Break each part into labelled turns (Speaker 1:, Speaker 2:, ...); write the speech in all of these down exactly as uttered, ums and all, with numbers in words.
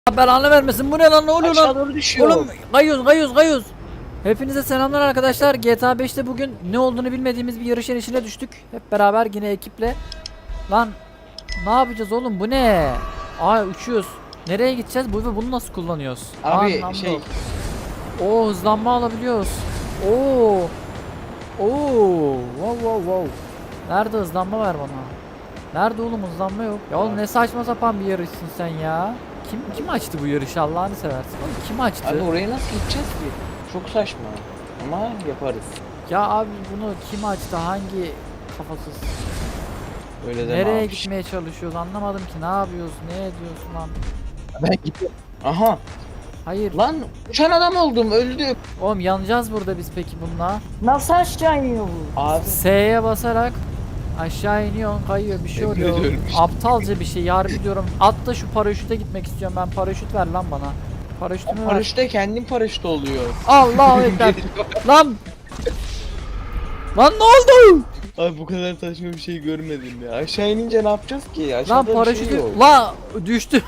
Speaker 1: Belanı vermesin. Bu ne lan, ne oluyor
Speaker 2: Aşağı
Speaker 1: lan?
Speaker 2: doğru düşüyor.
Speaker 1: Oğlum kayıyoruz kayıyoruz kayıyoruz. Hepinize selamlar arkadaşlar. G T A beşte bugün ne olduğunu bilmediğimiz bir yarışın içine düştük. Hep beraber yine ekiple. Lan ne yapacağız oğlum, bu ne? Aa, uçuyoruz. Nereye gideceğiz? Bu ve bunu nasıl kullanıyoruz?
Speaker 2: Abi
Speaker 1: Anlamda
Speaker 2: şey.
Speaker 1: yok. Oo, hızlanma alabiliyoruz. Oo. Oo. Wow wow wow. Nerede hızlanma, ver bana. Nerede oğlum, hızlanma yok. Ya oğlum ne saçma sapan bir yarışsın sen ya. Kim kim açtı bu yarışı, Allah'ını seversin. Oğlum kim açtı?
Speaker 2: Abi oraya nasıl gideceğiz ki? Çok saçma. Ama yaparız.
Speaker 1: Ya abi bunu kim açtı? Hangi kafasız?
Speaker 2: Öyle de
Speaker 1: Nereye
Speaker 2: ne
Speaker 1: gitmeye çalışıyoruz? Anlamadım ki. Ne yapıyoruz? Ne ediyorsun lan?
Speaker 2: Ben gidiyorum. Aha.
Speaker 1: Hayır.
Speaker 2: Lan uçan adam oldum, öldüm.
Speaker 1: Oğlum yanacağız burada biz peki bununla.
Speaker 3: Nasıl aşağı iniyor bu?
Speaker 2: Abi
Speaker 1: S'ye basarak aşağı iniyorsun, kayıyor, bir şey
Speaker 2: Emin
Speaker 1: oluyor.
Speaker 2: ediyorum işte.
Speaker 1: Aptalca bir şey, harbi diyorum. Atla şu paraşüte gitmek istiyorum ben. Paraşüt ver lan bana. Paraşütümü ver.
Speaker 2: paraşütte kendim paraşüt oluyor.
Speaker 1: Allahu ekber. Lan. Lan ne oldu?
Speaker 2: Abi bu kadar saçma bir şey görmedim ya. Aşağı inince ne yapacağız ki?
Speaker 1: Lan
Speaker 2: Aşağıda bir
Speaker 1: paraşütü.
Speaker 2: şey yok.
Speaker 1: La düştü.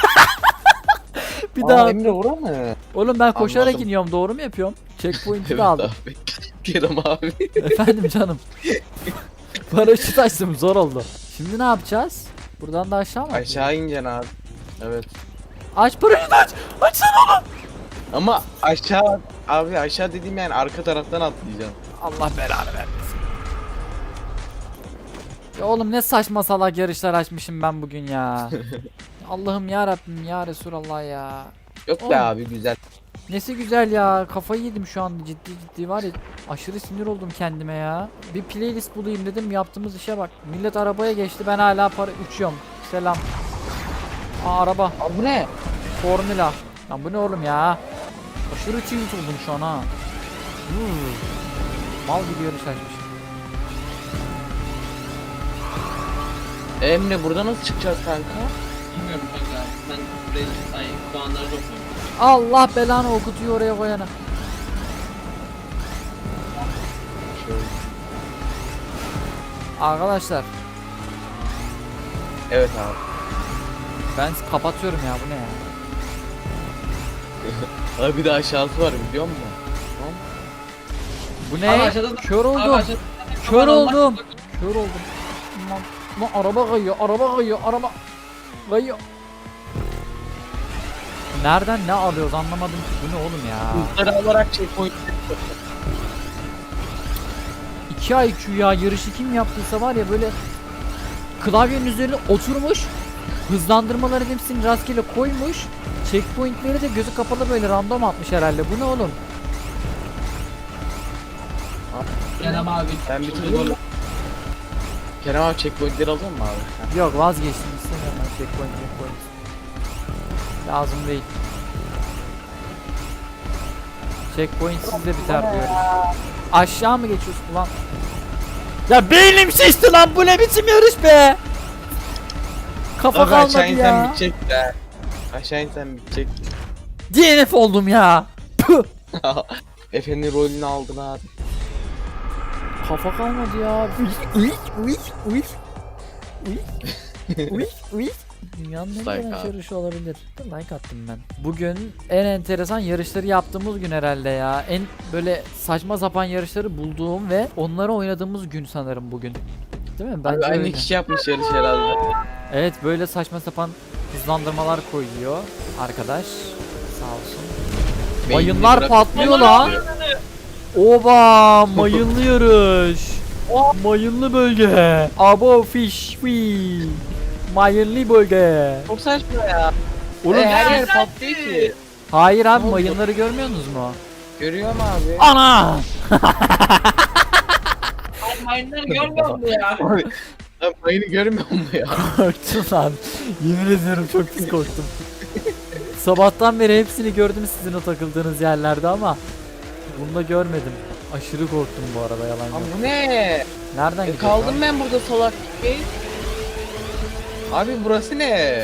Speaker 1: Bir
Speaker 2: Aa,
Speaker 1: daha.
Speaker 2: Emre ora mı?
Speaker 1: Oğlum ben koşarak
Speaker 2: Anladım.
Speaker 1: iniyorum, doğru mu yapıyorum? Checkpoint'i
Speaker 2: Evet
Speaker 1: de aldım.
Speaker 2: abi. Kerem abi.
Speaker 1: Efendim canım. Paraşüt açtım, zor oldu. Şimdi ne yapacağız? Buradan da aşağı mı?
Speaker 2: Aşağı ineceksin abi. Evet.
Speaker 1: Aç paraşütü, aç. Açsana onu.
Speaker 2: Ama aşağı abi, aşağı dediğim yani arka taraftan atlayacaksın.
Speaker 1: Allah belanı vermesin. Ya oğlum ne saçma salak yarışlar açmışım ben bugün ya. Allah'ım ya Rabbim ya Resulallah ya.
Speaker 2: Yok
Speaker 1: Oğlum.
Speaker 2: be abi, güzel.
Speaker 1: Nesi güzel ya, kafayı yedim şu an, ciddi ciddi var ya, aşırı sinir oldum kendime ya. Bir playlist bulayım dedim, yaptığımız işe bak. Millet arabaya geçti, ben hala para uçuyorum. Selam. Aa, araba.
Speaker 2: Abi bu ne?
Speaker 1: Formula. Lan bu ne oğlum ya? Aşırı tilt oldum şu an ha. Hmm. Mal gibi yarış açmışım.
Speaker 2: Emre burada nasıl çıkacağız kanka?
Speaker 4: Bilmiyorum kanka. Ben burayı ay puanları topluyorum.
Speaker 1: Allah belanı okutuyor oraya koyana.
Speaker 2: Şöyle.
Speaker 1: Arkadaşlar
Speaker 2: Evet abi.
Speaker 1: ben kapatıyorum ya, bu ne ya?
Speaker 2: Abi bir de aşağısı var biliyor musun?
Speaker 1: Bu
Speaker 4: Abi
Speaker 1: ne?
Speaker 4: aşağıda da-
Speaker 1: Kör
Speaker 4: Abi
Speaker 1: oldum.
Speaker 4: aşağıda-
Speaker 1: Kör
Speaker 4: Aman Allah-
Speaker 1: oldum. Kör oldum. Lan, lan araba kayıyor, araba kayıyor, araba kayıyor. Nereden ne alıyoruz anlamadım ki. Bu ne oğlum ya?
Speaker 2: Hızları alarak checkpoint.
Speaker 1: iki I Q ya, yarışı kim yaptıysa var ya, böyle klavyenin üzerine oturmuş, hızlandırmaları hepsini rastgele koymuş, checkpointleri de gözü kapalı böyle random atmış herhalde. Bu ne oğlum?
Speaker 4: Kerem abi.
Speaker 2: Ben bitirdim. Kerem abi checkpointleri alıyor mu abi?
Speaker 1: Yok, vazgeçtim, istemiyorum ben checkpoint checkpoint. Lazım değil. Checkpoint sizde biter diyorum. Aşağı mı geçiyorsun ulan? Ya beynim şişti lan, bu ne biçim yarış be? Kafa
Speaker 2: Abi aşağı
Speaker 1: kalmadı
Speaker 2: insen
Speaker 1: ya.
Speaker 2: bitecek de. Aşağı insen bitecek.
Speaker 1: D N F oldum ya. Püh.
Speaker 2: Efe'nin rolünü aldın abi.
Speaker 1: Kafa kalmadı ya. Uyik uyik uyik uyik uyik uyik. Dünyanın en
Speaker 2: Like
Speaker 1: güzel
Speaker 2: abi.
Speaker 1: yarışı olabilir. Like attım ben. Bugün en enteresan yarışları yaptığımız gün herhalde ya. En böyle saçma sapan yarışları bulduğum ve onları oynadığımız gün sanırım bugün. Değil mi?
Speaker 2: Abi
Speaker 1: Bence
Speaker 2: aynı
Speaker 1: öyle.
Speaker 2: kişi yapmış yarış herhalde.
Speaker 1: Evet, böyle saçma sapan hızlandırmalar koyuyor arkadaş. Sağ olsun.
Speaker 2: Beynini
Speaker 1: Mayınlar
Speaker 2: bırak-
Speaker 1: patlıyor lan. Oba, mayınlı yarış. Mayınlı bölge. Abo fish fi. Mayınlı bölge.
Speaker 2: Çok saçma ya.
Speaker 1: Oğlum
Speaker 2: E, her
Speaker 1: siz-
Speaker 2: yer patlıyor ki.
Speaker 1: Hayır abi,
Speaker 2: Ne oldu?
Speaker 1: mayınları görmüyorsunuz mu?
Speaker 2: Görüyor mu abi?
Speaker 1: Ana!
Speaker 4: Ay mayınları görmüyor musun ya?
Speaker 2: Abi, abi mayını görmüyor mu ya?
Speaker 1: Korktum lan. Yemin ediyorum çok pis korktum. Sabahtan beri hepsini gördüm sizin o takıldığınız yerlerde ama bunu da görmedim. Aşırı korktum bu arada, yalan yok.
Speaker 2: Abi bu ne?
Speaker 1: Nereden
Speaker 2: E,
Speaker 1: gidiyor?
Speaker 2: kaldım ben burada salak gibi. Abi burası ne?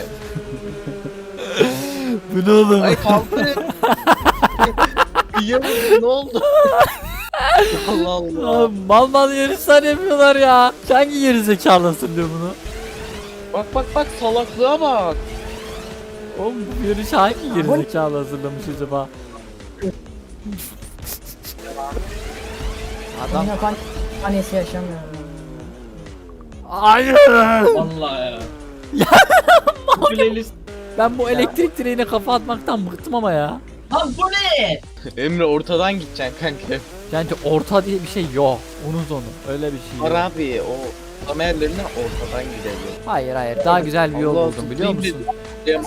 Speaker 1: Bu ne oğlum?
Speaker 2: Ay kaldım. Kıyamadım, ne oldu? Allah Allah.
Speaker 1: Aa, mal mal yarışlar yapıyorlar ya. Hangi geri zekalısın diyor bunu?
Speaker 2: Bak bak bak, salaklığa bak.
Speaker 1: Oğlum bu yarış hangi gerizekalı hazırlamış acaba? Adam
Speaker 3: Adam yapan annesi yaşamıyor.
Speaker 1: hayır.
Speaker 4: Vallahi ya. Bu playlist.
Speaker 1: Ben bu elektrik direğine kafa atmaktan bıktım ama ya.
Speaker 4: Lan bu ne?
Speaker 2: Emre ortadan gideceksin kanka.
Speaker 1: Bence orta diye bir şey yok. Unut onu. Öyle bir şey
Speaker 2: Var
Speaker 1: yok.
Speaker 2: abi o kamerlerine ortadan gidelim.
Speaker 1: Hayır hayır. Daha güzel bir yol
Speaker 2: Allah
Speaker 1: buldum biliyor
Speaker 2: tutayım
Speaker 1: musun?
Speaker 2: dedim.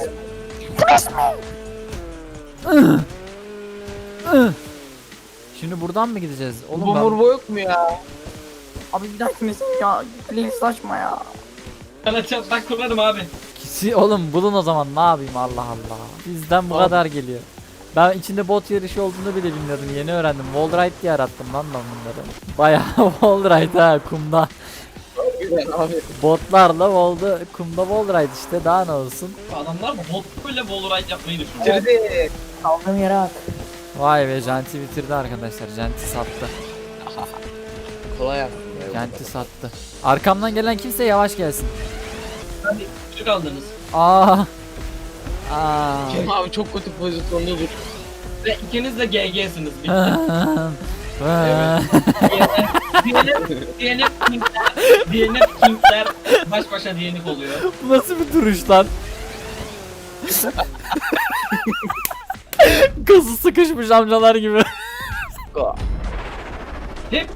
Speaker 1: Şimdi buradan mı gideceğiz? Oğlum
Speaker 2: Bu
Speaker 1: ben...
Speaker 2: murbo yok mu ya?
Speaker 3: Abi bir dakika misin ya? Please saçma ya.
Speaker 4: Sana çatlak kurarım abi.
Speaker 1: Kisi oğlum bulun o zaman ne yapayım Allah Allah. Bizden bu
Speaker 2: Abi.
Speaker 1: kadar geliyor. Ben içinde bot yarışı olduğunu bile bilmiyordum. Yeni öğrendim. Wallride diye arattım lan ben bunları. Bayağı Wallride ha kumda.
Speaker 2: Güzel abi.
Speaker 1: Botlarla wall'da kumda Wallride işte daha ne olsun.
Speaker 4: Adamlar bot böyle wallride yapmayı düşünüyor.
Speaker 2: Bitirdi.
Speaker 3: Kaldığım yere at.
Speaker 1: Vay be Janti bitirdi arkadaşlar. Janti sattı.
Speaker 2: Kolay yaptın ya.
Speaker 1: Janti sattı. Arkamdan gelen kimse yavaş gelsin.
Speaker 4: Hadi küçük aldınız.
Speaker 1: Aa. Aa.
Speaker 2: Kerem abi çok kötü pozisyonda dur.
Speaker 4: Ve ikiniz de G G'siniz. Bitti.
Speaker 1: Evet.
Speaker 4: D N F, D N F Kingler, D N F Kingler baş başa D N F oluyor.
Speaker 1: Bu nasıl bir duruş lan? Kası sıkışmış amcalar gibi.
Speaker 4: Hep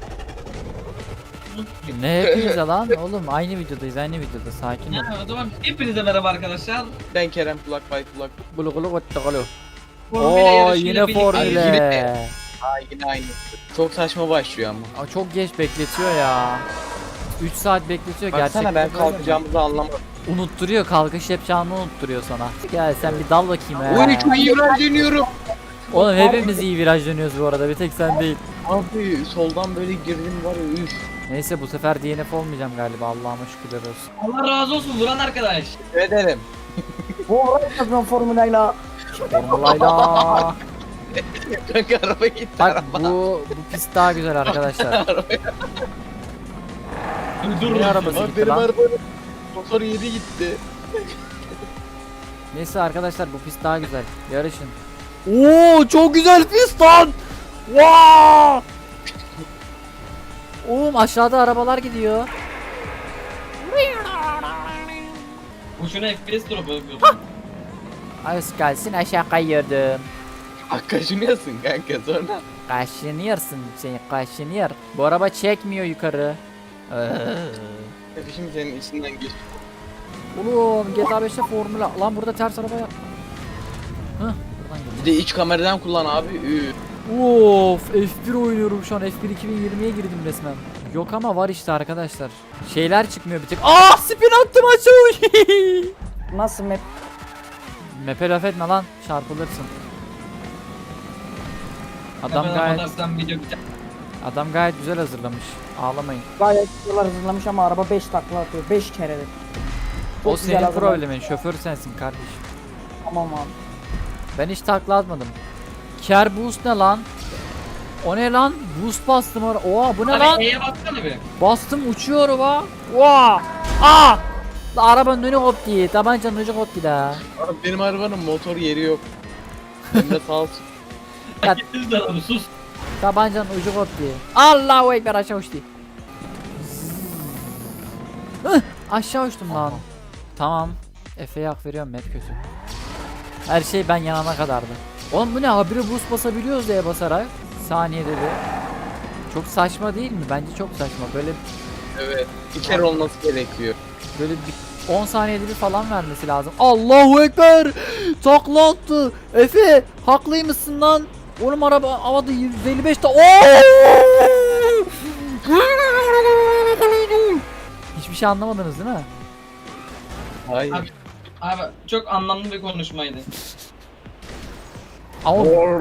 Speaker 1: Ne hepimize lan oğlum aynı videodayız aynı videoda sakin ol.
Speaker 4: ya, o zaman hepinize merhaba arkadaşlar.
Speaker 2: Ben Kerem kulak bay kulak.
Speaker 1: Gulu gulu gulu gulu.
Speaker 4: Formula
Speaker 1: Oo
Speaker 4: yarışıyla
Speaker 1: yine
Speaker 4: birlikte-
Speaker 1: formüle.
Speaker 2: Yine- Aa yine aynı. Çok saçma başlıyor ama.
Speaker 1: Aa, çok geç bekletiyor ya. üç saat bekletiyor
Speaker 2: Baksana
Speaker 1: gerçekten.
Speaker 2: ben
Speaker 1: böyle
Speaker 2: kalkacağımızı anlamadım.
Speaker 1: mi? Unutturuyor kalkış yapacağını unutturuyor sana. Gel sen bir dal bakayım
Speaker 2: Oy
Speaker 1: he.
Speaker 2: çok iyi viraj dönüyorum.
Speaker 1: Oğlum hepimiz iyi viraj dönüyoruz bu arada bir tek sen değil.
Speaker 2: Abi soldan böyle girdim var ya üf.
Speaker 1: Neyse bu sefer D N F olmayacağım galiba Allah'ıma şükürler olsun.
Speaker 4: Allah razı olsun vuran arkadaş.
Speaker 2: Ne ederim.
Speaker 3: Bu olay yapıyorum formülayla.
Speaker 1: Formulayla.
Speaker 2: Kanka araba gitti
Speaker 1: Bak
Speaker 2: araba.
Speaker 1: bu bu pist daha güzel arkadaşlar.
Speaker 4: Dur
Speaker 1: Ne arabası
Speaker 2: Abi
Speaker 1: gitti
Speaker 2: benim
Speaker 1: lan?
Speaker 2: arabanın motor yedi gitti.
Speaker 1: Neyse arkadaşlar bu pist daha güzel. Yarışın. Oo çok güzel pist lan. Wow! Oğlum aşağıda arabalar gidiyor.
Speaker 4: Boşuna F P S drop'u yapıyordum.
Speaker 1: Az gelsin aşağı kayıyordum.
Speaker 2: Kaşınıyorsun kanka sonra.
Speaker 1: Kaşınıyorsun sen kaşınıyor. Bu araba çekmiyor yukarı. Ee.
Speaker 2: Şimdi senin içinden geç.
Speaker 1: Oğlum G T A beşte formüla. Lan burada ters araba yap. Hıh buradan
Speaker 2: Bir
Speaker 1: gidiyor.
Speaker 2: de iç kameradan kullan abi. Üf.
Speaker 1: Of F bir oynuyorum şu an. F bir iki bin yirmiye girdim resmen. Yok ama var işte arkadaşlar. Şeyler çıkmıyor bir tek. Ah spin attım aşağı.
Speaker 3: Nasıl map?
Speaker 1: Mepe laf etme lan çarpılırsın. Adam
Speaker 4: Hemen
Speaker 1: gayet
Speaker 4: atarsan video biter.
Speaker 1: adam gayet güzel hazırlamış. Ağlamayın.
Speaker 3: Gayet yıllar hazırlamış ama araba beş takla atıyor. beş keredir. Çok
Speaker 1: O
Speaker 3: güzel
Speaker 1: senin
Speaker 3: hazırlamış.
Speaker 1: problemin. Şoför sensin kardeşim.
Speaker 3: Tamam abi.
Speaker 1: Ben hiç takla atmadım. Care boost ne lan? O ne lan? Boost bastım ara. Oha bu ne lan?
Speaker 4: Abi E'ye baksana bir.
Speaker 1: Bastım uçuyor araba. Oha! Aa! La arabanın önü koptu. Tabancanın ucu koptu da.
Speaker 2: Abi benim arabanın motor yeri yok. Emre sağ olsun.
Speaker 1: Ya-
Speaker 4: Gittiniz de abi sus.
Speaker 1: Tabancanın ucu koptu. Allahu ekber aşağı uçtu. Hıh, aşağı uçtum lan. Tamam. Efe'ye hak veriyorum map kötü. Her şey ben yanana kadardı. Oğlum bu ne? Habire boost basabiliyoruz diye basarak. Saniyede bir. Çok saçma değil mi? Bence çok saçma. Böyle
Speaker 2: Evet. Bir kere olması gerekiyor.
Speaker 1: böyle bir on saniyede bir falan vermesi lazım. Allahu ekber! Takla attı. Efe haklıymışsın lan. Oğlum araba havada yüz elli beşte. Oo! Hiçbir şey anlamadınız değil mi?
Speaker 2: Hayır.
Speaker 4: Abi, abi çok anlamlı bir konuşmaydı.
Speaker 1: Ama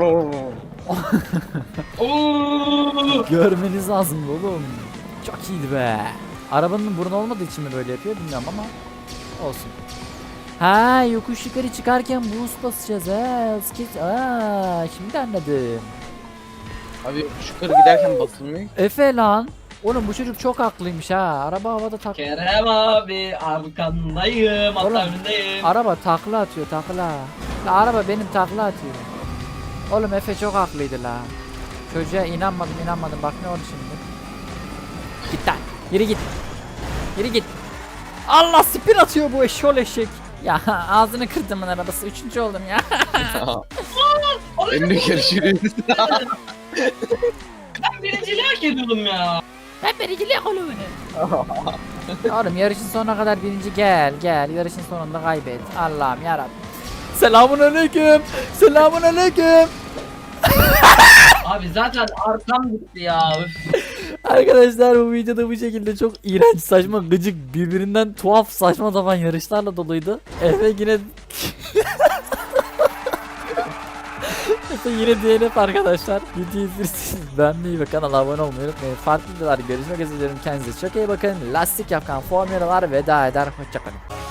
Speaker 4: Oo!
Speaker 1: görmeniz lazım oğlum. Çok iyiydi be. Arabanın burnu olmadığı için mi böyle yapıyor bilmiyorum ama olsun. Ha yokuş yukarı çıkarken boost basacağız ha. Skit. Aa şimdi anladım.
Speaker 2: Abi yukarı giderken basılmıyor.
Speaker 1: Efe lan. Oğlum bu çocuk çok haklıymış ha. Araba havada tak.
Speaker 4: Kerem abi arkandayım,
Speaker 1: Oğlum,
Speaker 4: hatta önündeyim.
Speaker 1: Araba takla atıyor takla. La araba benim takla atıyor. Oğlum Efe çok haklıydı la. Çocuğa inanmadım inanmadım bak ne oldu şimdi. Git lan. Yürü git. Yürü git. Allah spin atıyor bu eşşol eşek. Ya ağzını kırdımın arabası. Üçüncü oldum ya.
Speaker 2: Emre görüşürüz.
Speaker 4: Ben birinciliği hak ediyordum ya.
Speaker 1: Ben birinciliğe koyuyorum. Oğlum yarışın sonuna kadar birinci gel gel. Yarışın sonunda kaybet. Allah'ım yarabbim. Selamun aleyküm. Selamun aleyküm.
Speaker 4: Abi zaten arkam gitti ya. Üf.
Speaker 1: Arkadaşlar bu videoda bu şekilde çok iğrenç, saçma, gıcık, birbirinden tuhaf, saçma sapan yarışlarla doluydu. Efe yine Efe yine D N F arkadaşlar. Videoyu izlersiniz. Beğenmeyi ve kanala abone olmayı unutmayın. Farklı videolarda görüşmek üzere. Kendinize çok iyi bakın. Lastik yakan formülalar veda eder. Hoşçakalın.